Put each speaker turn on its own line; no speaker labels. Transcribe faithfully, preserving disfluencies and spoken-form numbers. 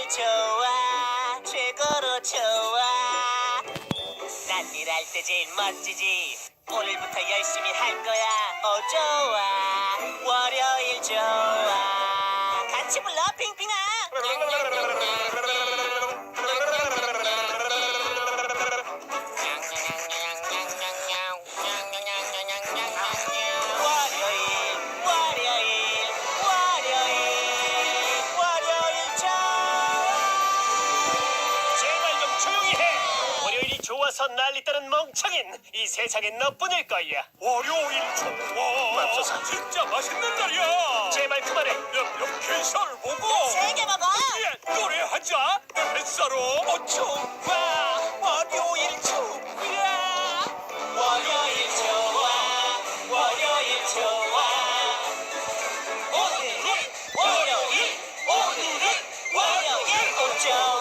좋아 최고로 좋아 난 일할 때 제일 멋지지 오늘부터 열심히 할 거야 어 좋아 월요일 좋아 같이 불러 핑핑아 월요일 월요일 월요일 월요일 좋아 제발 좀 조용히 해 월요일이 좋아서 난리떠는 멍청인 이 세상엔 너뿐일 거야
월요일 좋아
맙소사.
진짜 맛있는 날이야
제발 그만해
몇몇 개살 보고
세 개 먹어
예, 노래하자 내 뱃살로 어 좋아 월요일 좋아
월요일 좋아 월요일 좋아 오늘은 월요일 오늘은 월요일 오 좋아